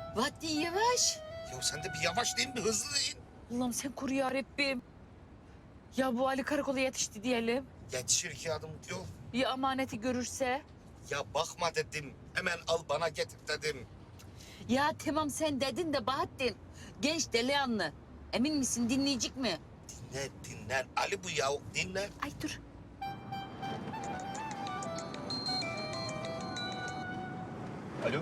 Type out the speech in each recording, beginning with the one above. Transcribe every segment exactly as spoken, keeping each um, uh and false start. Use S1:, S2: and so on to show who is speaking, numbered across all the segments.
S1: Vattin yavaş.
S2: Ya sen de bir yavaş değil mi? Hızlı değil.
S1: Allah'ım sen koru ya Rabbim. Ya bu Ali karakola yetişti diyelim.
S2: Yetişir iki adım yol.
S1: Bir amaneti görürse.
S2: Ya bakma dedim. Hemen al bana getir dedim.
S1: Ya tamam sen dedin de Bahattin. Genç delikanlı. Emin misin dinleyecek mi?
S2: Dinle dinle. Ali bu ya. Dinle.
S1: Ay dur.
S3: Alo.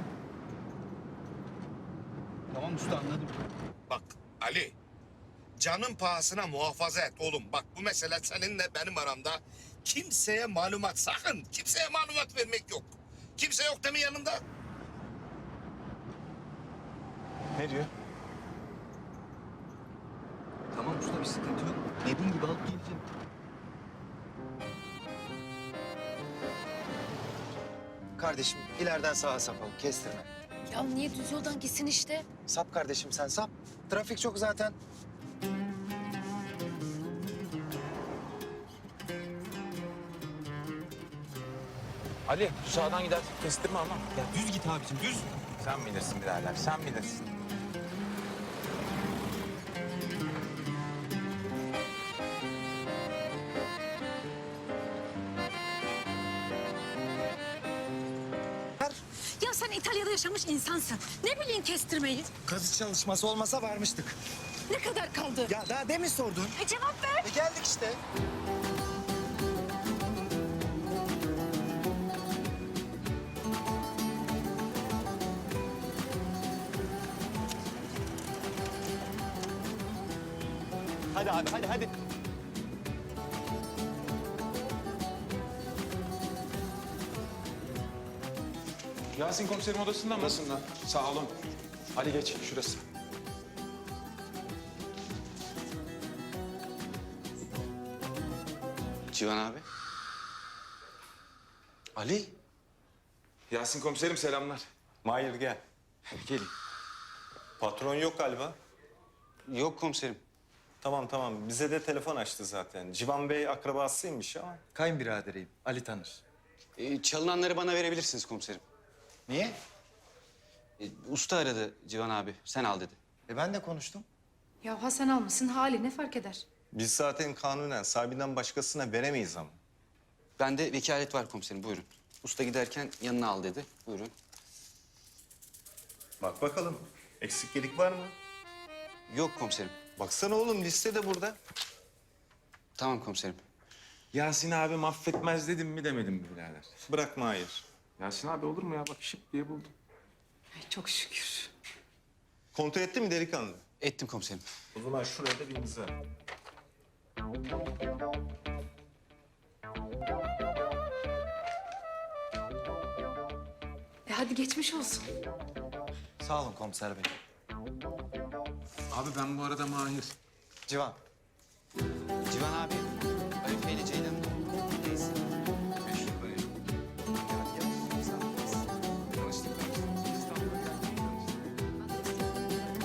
S3: Tamam usta anladım.
S2: Bak Ali. Canın pahasına muhafaza et oğlum. Bak bu mesele seninle benim aramda. Kimseye malumat sakın. Kimseye malumat vermek yok. Kimse yok değil mi yanında?
S3: Ne diyor? Tamam usta bir sıkıntı yok. Dediğin gibi alıp geleceğim.
S4: Kardeşim ileriden sağa sapalım, kestirme.
S5: Ya niye düz yoldan gitsin işte?
S4: Sap kardeşim sen sap. Trafik çok zaten.
S6: Ali şu sağdan gider. Kestirme ama.
S3: Ya düz git abicim düz.
S6: Sen bilirsin birader, sen bilirsin.
S5: Ya sen İtalya'da yaşamış insansın. Ne bileyim kestirmeyi?
S4: Kazı çalışması olmasa varmıştık.
S5: Ne kadar kaldı?
S4: Ya daha demin sordun.
S5: E cevap ver.
S4: E geldik işte.
S3: Hadi abi hadi hadi.
S6: Yasin komiserim odasında mı? Odasında. Sağ olun. Hadi geç şurası.
S7: Civan abi.
S4: Ali.
S6: Yasin komiserim selamlar.
S8: Mahir gel.
S6: Gelin.
S8: Patron yok galiba.
S7: Yok komiserim.
S8: Tamam tamam bize de telefon açtı zaten. Civan Bey akrabasıymış ama.
S4: Kayınbiraderiyim. Ali tanır.
S7: Ee, çalınanları bana verebilirsiniz komiserim.
S4: Niye?
S7: Ee, usta aradı Civan abi. Sen al dedi.
S4: E ben de konuştum.
S5: Ya Hasan almasın hali ne fark eder?
S8: Biz zaten kanunen sahibinden başkasına veremeyiz ama.
S7: Bende vekalet var komiserim. Buyurun. Usta giderken yanına al dedi. Buyurun.
S8: Bak bakalım eksik gedik var mı?
S7: Yok komiserim.
S8: Baksana oğlum liste de burada.
S7: Tamam komiserim.
S6: Yasin abi affetmez dedim mi demedim mi birader?
S8: Bırak Mahir.
S6: Yasin abi olur mu ya? Bak şıp diye buldum.
S5: Ay çok şükür.
S8: Kontrol etti mi delikanlı?
S7: Ettim komiserim.
S8: O zaman şuraya da bir imza.
S5: E hadi geçmiş olsun.
S4: Sağ olun komiser bey.
S6: Abi ben bu arada Mahir.
S4: Civan.
S7: Civan abi. Arife ile Ceylan'ın birlikteyiz.
S6: Meşhur dayı. Tanıştık, tanıştık. İstanbul'a geldik, tanıştık.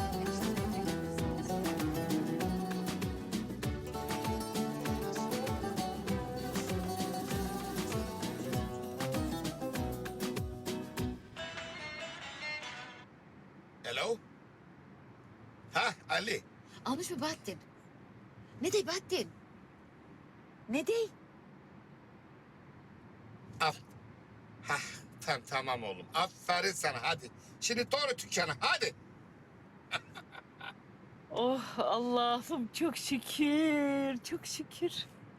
S2: Hello? Ha Ali.
S1: Almış mı Bahattin? Ne dey Bahattin? Ne dey?
S2: Al. Ha tam, tamam oğlum. Aferin sana hadi. Şimdi doğru dükkana hadi.
S1: Oh Allah'ım çok şükür, çok şükür.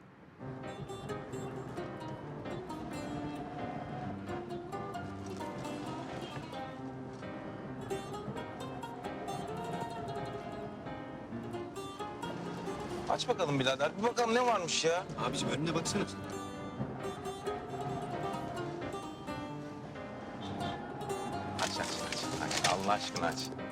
S6: Aç bakalım birader. Bir bakalım ne varmış ya.
S3: Abicim önüne baksana.
S6: Aç aç aç. aç. Allah aşkına aç.